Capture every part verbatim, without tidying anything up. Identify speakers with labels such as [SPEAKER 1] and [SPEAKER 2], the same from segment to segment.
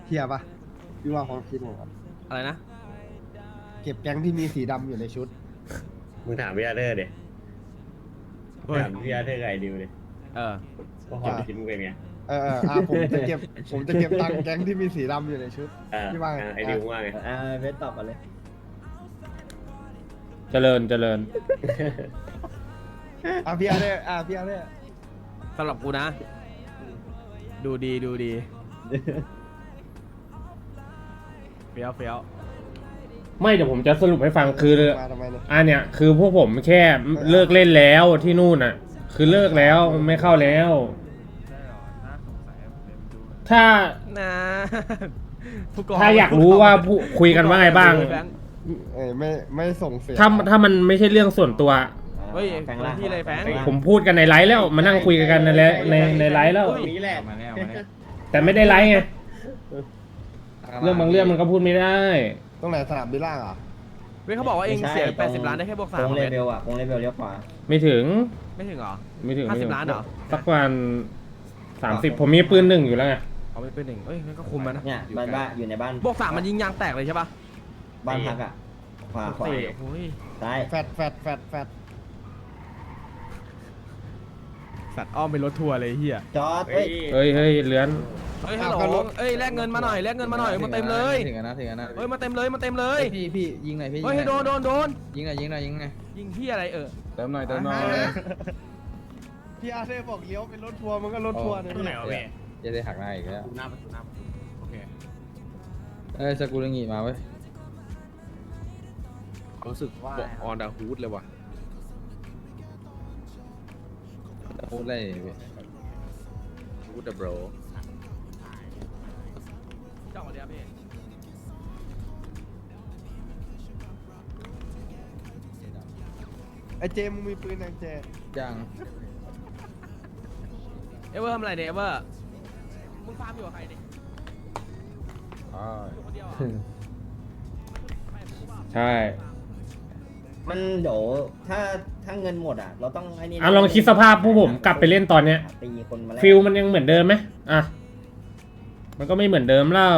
[SPEAKER 1] เทียบปะพี่ว่าความคิดผมครับ
[SPEAKER 2] อะไรนะ
[SPEAKER 1] เก็บแก๊งที่มีสีดำอยู่ในชุด
[SPEAKER 3] มึงถามพี่อาเธอร์ดิ
[SPEAKER 2] เฮ้ย
[SPEAKER 3] ถามพี่อาเธอร์กับไอ้ดิวดิ
[SPEAKER 2] เออ
[SPEAKER 3] ว่าความคิดมึงเป็นไง
[SPEAKER 1] เออเอออ่ะผมจะเก็บผมจะเก็บตังค์แก๊งที่มีสีดำอยู่ในชุด
[SPEAKER 3] เออ
[SPEAKER 1] พี่ว่าไง
[SPEAKER 3] ไอ้ดิวว่าไง
[SPEAKER 4] อ่าเวทตอบมาเลย
[SPEAKER 5] เจริญเจริญ
[SPEAKER 1] อ่ะพี่อาร์เด้อ่ะพี่อาร์เด้
[SPEAKER 2] สำหรับกูนะ ดูดีดูดีเฟี้ยวเฟี้ยว
[SPEAKER 5] ไม่เดี๋ยวผมจะสรุปให้ฟังคือ
[SPEAKER 1] มาทำไมเนี่ย
[SPEAKER 5] อันเนี้ยคือพวกผมแค่เลิกเล่นแล้วที่นู่นอ่ะ คือเลิกแล้วไม่เข้าแล้ว ถ้า
[SPEAKER 2] นะผู้กอง
[SPEAKER 5] ถ้าอยากรู้ว่าผู้คุยกันว่าไงบ้าง
[SPEAKER 2] แบงค์
[SPEAKER 1] เอ้ยไม่ไม่ส่งเสียง
[SPEAKER 5] ถ้าถ้ามันไม่ใช่เรื่องส่วนตัว
[SPEAKER 2] เฮ้ย
[SPEAKER 4] แฟงล่าง
[SPEAKER 2] ที่อะไรแฟง
[SPEAKER 5] ผมพูดกันในไลฟ์แล้วมานั่งคุยกันในไลฟ์ในในไลฟ์แล้ว
[SPEAKER 3] ตรงนี้แหละ
[SPEAKER 6] มาแล้วมาแล้ว
[SPEAKER 5] แต่ไม่ได้ไลฟ์ไงเรื่องบางเรื่องมันก็พูดไม่ได้
[SPEAKER 1] ตรงไหนสนามบินล่างอ่ะ
[SPEAKER 2] เว้ยเขาบอกว่าเองเสียแปดสิบล้านได้แค่บวกสาม
[SPEAKER 4] โค้งเล
[SPEAKER 2] เว้ย
[SPEAKER 4] เวลอ่ะโค้งเลเวลเลี้ยวขวา
[SPEAKER 5] ไม่ถึง
[SPEAKER 2] ไม่ถึงเหรอ
[SPEAKER 5] ไม่ถึง
[SPEAKER 2] ห้า
[SPEAKER 5] ไม่
[SPEAKER 2] สิ
[SPEAKER 5] ถึ
[SPEAKER 2] บ
[SPEAKER 5] ง
[SPEAKER 2] ล้านเหรอ
[SPEAKER 5] สักประมาณสามสิบผมมีปืนหนึ่งอยู่แล้วไง
[SPEAKER 2] เอาไปเป็นหนึ่งเอ้ยงั้นก็คุมมันนะ
[SPEAKER 4] เนี่ยบ้านบ้านอยู่ในบ้าน
[SPEAKER 2] บวกสามมันยิงยางแตกเลยใช่ปะ
[SPEAKER 4] บ้านพักอ่ะขวาขวา
[SPEAKER 2] เตะโอ้ย
[SPEAKER 4] ซ้าย
[SPEAKER 1] แฟดแฟดแฟดแฟด
[SPEAKER 2] สัตว์อ้อมเป็นรถทัวร์เลยเฮีย
[SPEAKER 4] จอด
[SPEAKER 3] เฮ้
[SPEAKER 4] เฮ้
[SPEAKER 3] ย
[SPEAKER 4] ย
[SPEAKER 5] เฮ้ยเฮ้ยเลื้อน
[SPEAKER 2] เฮ้ยฮัลโหลเอ้ยแลกเงินมาหน่อยแลกเงินมาหน่อยมาเต็มเลย
[SPEAKER 6] ถึงกันนะถึงกันนะ
[SPEAKER 2] เฮ้ยมาเต็มเลยมาเต็มเลย
[SPEAKER 6] พี่พี่ยิงหน่อยพี่
[SPEAKER 2] เฮ้ยให้โดนโดนโดน
[SPEAKER 6] ยิงหน่อยยิงหน่อยยิงหน่อย
[SPEAKER 2] ยิงที่อะไรเออ
[SPEAKER 6] เติมหน่อยเติมหน่อย
[SPEAKER 1] พี่อาร์เด้บอกเลี้ยวเป็นรถทัวร์มันก็รถทัวร์นะพี่
[SPEAKER 6] จะได้หักหน้าอีกแล้ว
[SPEAKER 3] หน้าประตูหน้าประตูโอเค
[SPEAKER 6] เอ้ยสกุลงีมาเว้ย
[SPEAKER 2] รู้สึกว่าออนดาฮูดเลยว่ะ
[SPEAKER 6] พูดอะไรพี่
[SPEAKER 2] ฮูดเดอะโบรจ้องมาเดียวพี่
[SPEAKER 1] ไอเจมึงมีปืนยังเจ
[SPEAKER 6] ยัง
[SPEAKER 2] เอเวอร์ทำอะไรเนี่ยเอเวอร์มึงฟาร์มอยู่กับใครเนี่ย
[SPEAKER 6] อ๋อ
[SPEAKER 2] อยู่คนเดียวเหรอไม่รู้เปล่า
[SPEAKER 5] ใช่
[SPEAKER 4] มันเดี๋ยวถ้าถ้าเงินหมดอ่ะ เราต้องไอ้นี่
[SPEAKER 5] อ่ะลองคิดสภาพผู้ผมกลับไปเล่นตอนเนี้ย
[SPEAKER 4] ตีคนมาแล้ว
[SPEAKER 5] ฟิลมันยังเหมือนเดิมไหมอ่ะมันก็ไม่เหมือนเดิมแล้ว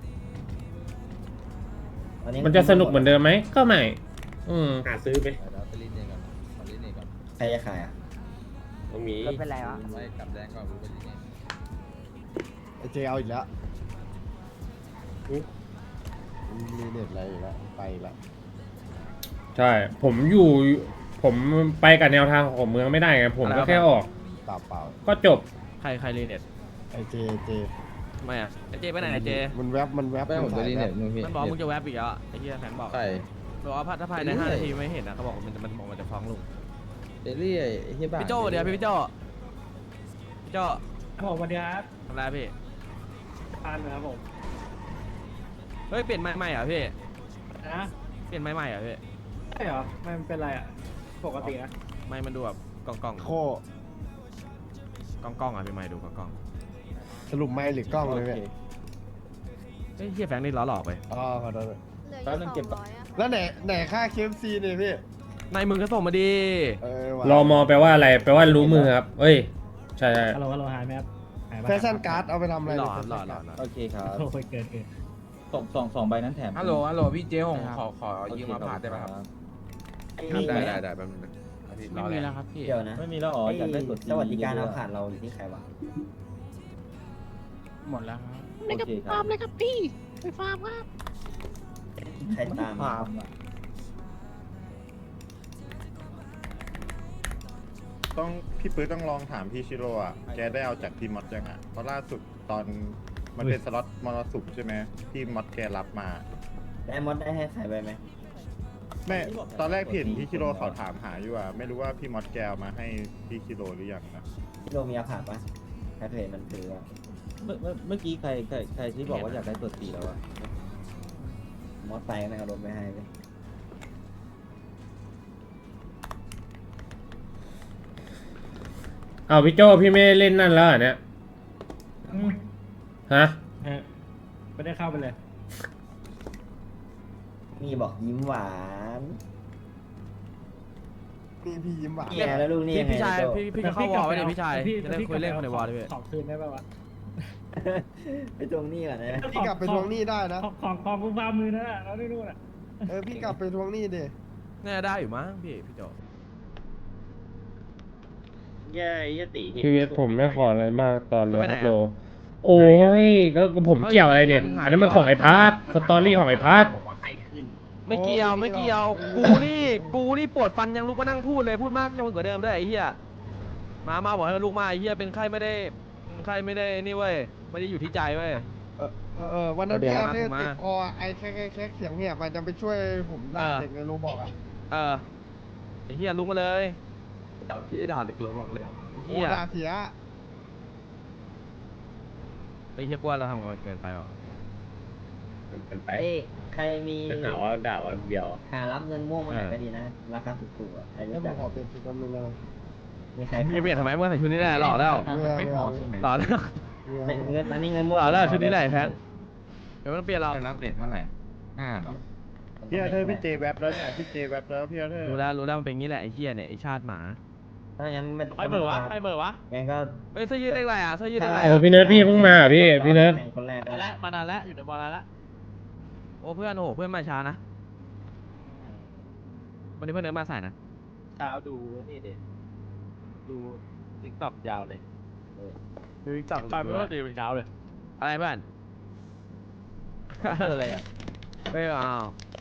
[SPEAKER 4] ตอ
[SPEAKER 5] มันจะสนุกเหมือนเดิมไหมก็ไม่อืม
[SPEAKER 3] หาซื้อไป
[SPEAKER 6] เดี๋ยวไปรีดเองก่อนขอรีดเองก่อน
[SPEAKER 4] ใครจะขายอ่ะ
[SPEAKER 3] ตรงนี้
[SPEAKER 7] เป็นไรวะ
[SPEAKER 6] ไม่กลับแดงก่อนไปรีดเอง
[SPEAKER 1] ไอเจเอาอีกแล้วมีเน็ตอะไรอีกแล้วไปอีกแล้ว
[SPEAKER 5] ใช่ ผมอยู่ ผมไปกับแนวทางของเมืองไม่ได้ไงผมก็แค่ออก
[SPEAKER 1] เปล่าเปล่า
[SPEAKER 5] ก็จบ
[SPEAKER 2] ใครใครรีเน็ต
[SPEAKER 1] ไอเจเจ
[SPEAKER 2] ไม่อะไอเจไปไหนไอเจ
[SPEAKER 1] มันแวบมันแวบ
[SPEAKER 6] แม่ผมจะรีด
[SPEAKER 1] แว
[SPEAKER 6] เน็
[SPEAKER 1] บ
[SPEAKER 6] ตนู่นพี่
[SPEAKER 2] มันบอกมึงจะแวบอีกแล้วอะไอ้เหี้ยแฟนบอก
[SPEAKER 6] ใช่
[SPEAKER 2] บอกว่าถ้าภายในห้านาทีไม่เห็นนะเขาบอกว่ามันจะมันบอกมันจะฟ้องลุง
[SPEAKER 6] เดลี่ไอ้เฮียบ้า
[SPEAKER 2] พี่โจ้เดี๋ยวพี่พี่โจ้พี่โจ้
[SPEAKER 8] ผมสวัสดีครับ
[SPEAKER 2] ทำไรพี่
[SPEAKER 8] ทานนะครับผม
[SPEAKER 2] เฮ้ยเปลี่ยนไม้ใหม่เหรอพี่
[SPEAKER 8] นะ
[SPEAKER 2] เปลี่ยนไม้ใหม่เหรอพี่
[SPEAKER 8] ใช่เหรอไม่มันเป็นไรอ่ะ ปกตินะ
[SPEAKER 2] ไม้มันดูแบบกองกอง
[SPEAKER 1] โค
[SPEAKER 2] กองกองอ่ะพี่ไม้ดูกองกอง
[SPEAKER 1] สรุปไม่หรือกล้องเลยเนี่ย
[SPEAKER 2] เฮ้ยเฮียแฟงนี่ล้อหลอกไป
[SPEAKER 1] อ๋อขอโทษ
[SPEAKER 7] เหลืออยู่สองร้อยอะค่ะ
[SPEAKER 1] แล้วไหนไหนค่าเคฟซีเนี่ยพี่
[SPEAKER 2] นายมึงก็ส่งมาดี
[SPEAKER 1] เออว่ะ
[SPEAKER 5] รอมอแปลว่าอะไร แปลว่ารู้มือครับ เอ้ย ใช่ใช่
[SPEAKER 8] ฮัลโหลฮัลโหลหายไหมครับหายปะ
[SPEAKER 1] แฟชั่นการ์ดเอาไปทำอะไร
[SPEAKER 2] หล่อ
[SPEAKER 1] เนี่ย
[SPEAKER 2] หล่อหล่อหล่อ
[SPEAKER 4] โอเคครับ
[SPEAKER 8] โอ้ยเกินเกิน
[SPEAKER 4] สองสองสองใบนั้นแถม
[SPEAKER 6] ฮัลโหลฮัลโหลพี่เจ๊ผมขอขอยืมมาผ่าได้ไหมครับ
[SPEAKER 4] มีไหม
[SPEAKER 2] ได้ได้ได้แป๊บนึงนะ
[SPEAKER 6] ไม่มีแล้วครับพี่
[SPEAKER 4] เดี๋ยวนะ
[SPEAKER 7] ไม่มีแล้วอ๋ออยากได้กด
[SPEAKER 4] สวัสดิการเอาผ่านเราอยู่ที่ใครวะ
[SPEAKER 6] หมดแล้วครับ
[SPEAKER 4] โอเคครับฟาร์มเลยครับพี่ไปฟาร์มครับใครตามฟาร์มอ่ะ
[SPEAKER 9] ต้องพี่ปื้อต้องลองถามพี่ชิโร่อะแกได้เอาจากพี่มอสยังอะเพราะล่าสุดตอนมันเป็นสล็อตมรสุมใช่ไหมพี่มอสแกรับมา
[SPEAKER 4] ได้มดได้ให้ใครไปไหม
[SPEAKER 9] แม่ตอนแรกพี่เห็นพี่ชิโร่เขาถามหาอยู่อะไม่รู้ว่าพี่มอสแกเอามาให้พี่ชิโร่หรือยังนะ
[SPEAKER 4] พี่โรมีอาผ่านปะใครเคยเห็นมันถืออะ
[SPEAKER 7] เมื่อเมื่อเมื่อกี้ใครใครใครที่บอกว่าอยากได้ตัวตีแล้วอะ
[SPEAKER 4] มอสไซค์ก็เอารถไปให้เลย
[SPEAKER 5] เอาพี่โจ้พี่ไม่ได้เล่นนั่นแล้วเหรอเนี่ย ฮะ
[SPEAKER 8] เออไม่ได้เข้าไปเลย
[SPEAKER 4] มีบอกยิ้มหวาน
[SPEAKER 1] นี่พี่ยิ้มหวาน
[SPEAKER 4] เนี่ยแล้วลูกนี่
[SPEAKER 2] พี่
[SPEAKER 4] ยังไง
[SPEAKER 2] พี่ชาย
[SPEAKER 4] โจ้
[SPEAKER 2] พี่พี่จะเข้าวอลไว้เลยพี่ชาย
[SPEAKER 8] พี่
[SPEAKER 2] จะได้คุยเล่นคนในวอลด้วยพี่
[SPEAKER 8] ขอคืนได้ป่าวะ
[SPEAKER 7] ไปทวงหนี้ก่อนนะ
[SPEAKER 1] พี่กลับไปทวงหนี้ได้นะ
[SPEAKER 8] ของของของกูฟาร์มมือนั่นแหละเราได้รู้น่ะ
[SPEAKER 1] เออพี่กลับไปทวงหนี้ดิ
[SPEAKER 2] น่าจะได้อยู่มั้งพี่พี่โจ
[SPEAKER 3] แย่ไอ้ตี
[SPEAKER 5] ชีวิตผมไม่ขออะไรมากตอนเหลยครับโลโอ้ยก็ผมเกี่ยวอะไรเนี่ยอันนั้นมันของไอ้พัทสตอรี่ของไอ้พัท
[SPEAKER 2] ไม่เกี่ยวไม่เกี่ยวกูนี่กูนี่ปวดฟันยังลุกมานั่งพูดเลยพูดมากยังกว่าเดิมด้วยไอ้เหี้ยมามาบอกให้ลุกมาไอ้เหี้ยเป็นไข้ไม่ได้เป็นไข้ไม่ได้นี่เว้ยไม่ได้อยู่ที่ใจเว้ย
[SPEAKER 1] เออเออเออวันนั้น
[SPEAKER 2] เดี๋ยว
[SPEAKER 1] พี่
[SPEAKER 2] นะ
[SPEAKER 1] อาเธอ
[SPEAKER 2] มา
[SPEAKER 1] ติดคอไอ้แค่แค่แค่เสียงเหียบมันจะไปช่วยผมด่า
[SPEAKER 2] เออ
[SPEAKER 1] เด็กในโรบอกอ่ะ
[SPEAKER 2] เออไอ้เหี้ยลุกมาเลย
[SPEAKER 6] เดี๋ยวพี่ด่าเด็กเลยบอกเลย
[SPEAKER 1] โอ้
[SPEAKER 2] เหี้ย
[SPEAKER 1] ด่าเสีย
[SPEAKER 2] ไอ้เหี้ยกว่าเราทำกันเกินไปหรอ
[SPEAKER 3] เป็นไป
[SPEAKER 7] เอ้ยใครมี
[SPEAKER 3] หาว่าด่าว่าเดียว
[SPEAKER 7] หารับเงินม่วงมาหน่อยก็ดีนะราคาถูกๆอ่ะใคร
[SPEAKER 1] แล้ว
[SPEAKER 7] รู้
[SPEAKER 1] ผ
[SPEAKER 7] จั
[SPEAKER 1] ม
[SPEAKER 7] ก
[SPEAKER 1] ขอเป็นชุดนั้นนึงเลย
[SPEAKER 7] มีใคร
[SPEAKER 2] มึงจะเปลี่ยนทำไมเมื่อใส่ชุดนี้แหละหล่อแล้ว
[SPEAKER 1] ไม่เอาไม่เอา
[SPEAKER 2] หล่อแล้ว
[SPEAKER 7] ไม่เงินอันนี้เงินม่วง
[SPEAKER 2] หล่อแล้วชุดนี้แหละไอ้แพทเดี๋ยวมันเปลี่ยนเรา
[SPEAKER 6] รับเด็ดเท่าไหร่ห้าหรอ
[SPEAKER 9] พี่อาเธอร์พี่เจแวบแล้วเนี่ยพี่เจแวบแล้วพี่อาเธอร์
[SPEAKER 2] รู้แล้วรู้แล้วมันเป็นงี้แหละไอ้เหี้ยเนี่ยไอ้ชาติหมา
[SPEAKER 7] ถ้างั้นไม่
[SPEAKER 2] ไอ้เบอร์วะไอ้เบอร์วะ
[SPEAKER 7] งั้นก็
[SPEAKER 2] เฮ้ยเสื้อยืดเลขอะไรอ่ะเสื้อยืดเลขอะไร
[SPEAKER 5] เออพี่เนิร์ดพี่เพิ่งมาเหรอพี่พี่เนิร์ด
[SPEAKER 7] แข่งคนแรกก็
[SPEAKER 6] แล้วมานานแล้วอยู่ในบอลแล้ว
[SPEAKER 2] โอ้เพื่อนโอ้โหเพื่อนมาช้านะวันนี้เพื่อนเดินมาสายนะ
[SPEAKER 6] เช้าดูนี่เด็ดูติ๊กต็อกยาวเลยดูติ๊กต็อกไปไม่ว่าดีเช้าเลย
[SPEAKER 2] อะไรเพื่อน
[SPEAKER 6] อะไรอ่ะ
[SPEAKER 2] ไม่เอา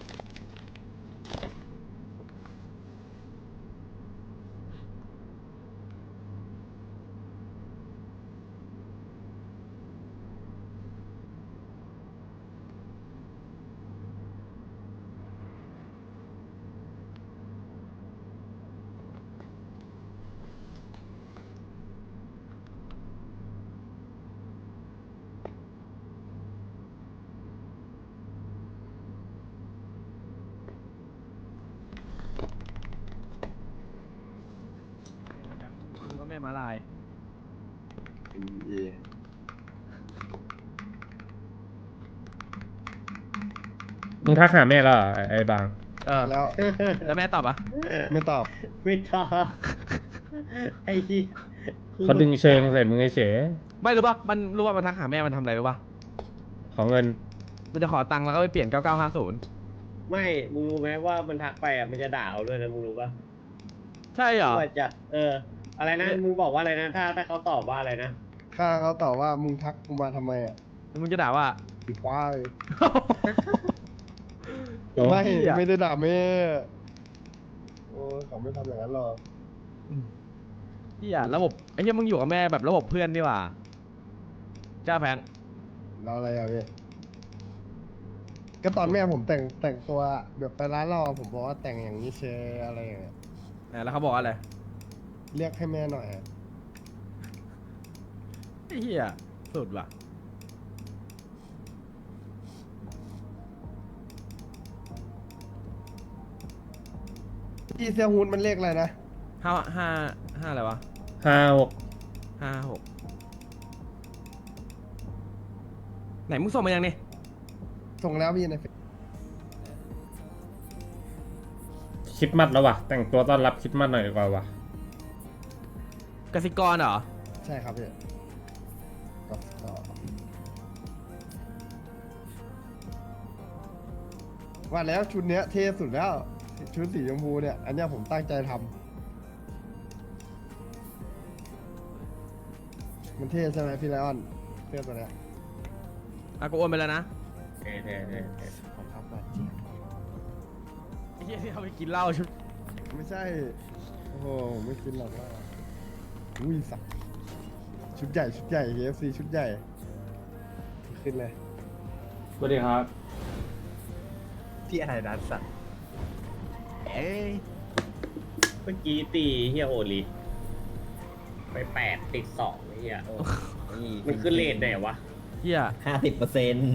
[SPEAKER 2] ก็ไม่มาลาย
[SPEAKER 5] มึงทักหาแม่แล้วเหรอไอ้ไอ้บาง
[SPEAKER 2] เออ
[SPEAKER 1] แล้ว
[SPEAKER 2] แล้วแม่ตอบปะ
[SPEAKER 1] ไม่ตอบ
[SPEAKER 7] ไม่ชอบไอ้ที่
[SPEAKER 5] เขาดึงเชิงใส่มึงเฉย
[SPEAKER 2] ไม่รู้ปะมันรู้ว่ามันทักหาแม่มันทำอะไรรู้ปะ
[SPEAKER 5] ๆของเงิน
[SPEAKER 2] มันจะขอตังค์แล้วก็ไปเปลี่ยนเก้าเก้าห้าศูนย์
[SPEAKER 3] ไม่มึงรู้ไหมว่ามันทักไปอ่ะมันจะด่าเอาด้วยนะมึงรู้ปะ
[SPEAKER 2] ใช่เหรอ
[SPEAKER 3] ว่าจะเออ อะไรนะมึงบอกว่าอะไรนะถ้าถ้าเขาตอบว่าอะไรนะ
[SPEAKER 1] ข้าเขาตอบว่ามึงทักกูมาทำไมอ่ะ
[SPEAKER 2] มึงจะด่าว่า
[SPEAKER 1] อีควาย
[SPEAKER 5] โอ้
[SPEAKER 1] ไม่
[SPEAKER 2] เหี้ย
[SPEAKER 1] ไม่ได้ด่าแม่โอ้ยเขาไม่ทำอย่างนั้นหรอก
[SPEAKER 2] เฮียระบบไอ้เฮียมึงอยู่กับแม่แบบระบบเพื่อนดีกว่าจ้าแฟง
[SPEAKER 1] เราอะไรอ่ะพี่ก็ตอนแม่ผมแต่งแต่งตัวแบบไปร้านเราผมบอกว่าแต่งอย่างนี้เชยอะไรอย่างเงี้ย
[SPEAKER 2] อ่ะแล้วเขาบอกอะไร
[SPEAKER 1] เรียกให้แม่หน่อยอะ
[SPEAKER 2] ไอ้เฮียสุดว่ะ
[SPEAKER 1] พี่เซียฮูนมันเรียกอะไรนะ
[SPEAKER 2] ห้าห้าห้าอะไรวะ
[SPEAKER 5] ห้าหก
[SPEAKER 2] ห้าหกไหนมึงส่งมายังนี่
[SPEAKER 1] ส่งแล้วพี่ในเฟซ
[SPEAKER 5] คริดมัดแล้ววะแต่งตัวต้อนรับคริดมัดหน่อยดีกว่าวะ
[SPEAKER 2] กสิกรเหรอ
[SPEAKER 1] ใช่ครับพี่ก็ก็ว่าแล้วชุดเนี้ยเท่สุดแล้วชุดสีชมพูเนี่ย อันเนี้ยผมตั้งใจทำมันเท่ใช่ไหมพี่ไลออนเสื้อตัวเนี้ย
[SPEAKER 2] อ่ะกูโอนไปแล้วนะ
[SPEAKER 3] เท่เท่เท่เท่
[SPEAKER 1] ขอบครับบาดเจ็บ
[SPEAKER 2] ไอ้เฮียที่เขาไปกินเหล้าชุด
[SPEAKER 1] ไม่ใช่ โอ้โหไม่กินหรอกว่าอุ้ยสักชุดใหญ่ชุดใหญ่ เค เอฟ ซี ชุดใหญ่ ขึ้นเลย
[SPEAKER 5] สวัสดีครับ
[SPEAKER 6] พี่อะไรดันสัตว์เอ้ย
[SPEAKER 3] เมื่อกี้ตีเฮียโอลิไปแปดติดสองไอ้เฮียมันขึ้นเลทไหนวะ
[SPEAKER 2] เฮีย
[SPEAKER 7] ห้าสิบเปอร์เซ็นต์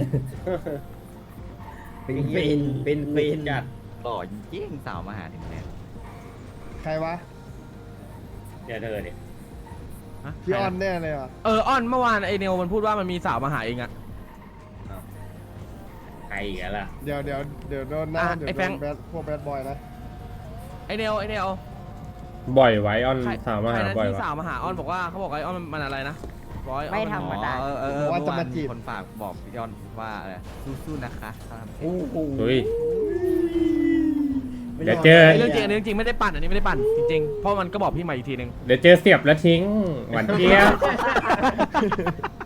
[SPEAKER 7] เป็นเป็นเป็นเป็น
[SPEAKER 3] จัด
[SPEAKER 6] หล่อยิ่งสาวมาหาถึงแน่
[SPEAKER 1] ใครวะ
[SPEAKER 3] เดี๋ยวเธอเนี่ย
[SPEAKER 2] ฮะ
[SPEAKER 1] พี่ออนแน่เลยว่ะ
[SPEAKER 2] เอออ้อนเมื่อวานไอเนลมันพูดว่ามันมีสาวมาหาเองอะ
[SPEAKER 3] ใครอีกแล้วล่ะ
[SPEAKER 1] เดี๋ยวเดี๋ยวเดี๋ยวโดนหน้า
[SPEAKER 2] อ่ะ
[SPEAKER 1] เดี๋ยว
[SPEAKER 2] ไอ้
[SPEAKER 1] โด
[SPEAKER 2] แฟรง
[SPEAKER 1] น
[SPEAKER 2] ค์
[SPEAKER 1] แบดพวกแบดบอยนะ
[SPEAKER 2] ไอเนลไอเนล
[SPEAKER 5] บ่อยไว้ออน
[SPEAKER 2] ใคร
[SPEAKER 5] สาวมา
[SPEAKER 2] ใคร
[SPEAKER 5] หา
[SPEAKER 2] นะ
[SPEAKER 5] บ่อย
[SPEAKER 2] ที่
[SPEAKER 5] วะ
[SPEAKER 2] สาวมาหาอ้อนบอกว่าเขาบอกไออ้อนมันอะไรนะร้อย
[SPEAKER 4] ไม่ธรรมดา
[SPEAKER 10] เออเออเออ
[SPEAKER 1] ว่า
[SPEAKER 10] เมื่อ
[SPEAKER 1] จะ
[SPEAKER 10] วา
[SPEAKER 1] มาจี
[SPEAKER 10] น
[SPEAKER 1] บ
[SPEAKER 10] คนฝากบอกพี่ยอนว่าอะไรสู้ๆนะคะเขาทำเสร็จ
[SPEAKER 1] โอ้โห
[SPEAKER 5] เฮ้ย
[SPEAKER 1] ไม่
[SPEAKER 5] เดี๋ยว
[SPEAKER 1] อ
[SPEAKER 5] เจอ
[SPEAKER 2] เรื่องจริงอันนี้เรื่องจริงไม่ได้ปั่นอันนี้ไม่ได้ปั่นจริงๆเพราะมันก็บอกพี่ใหม่อีกทีนึง
[SPEAKER 5] เดี๋ยวเจอเสียบแล้วทิ้ง หวานเจี๊ยบ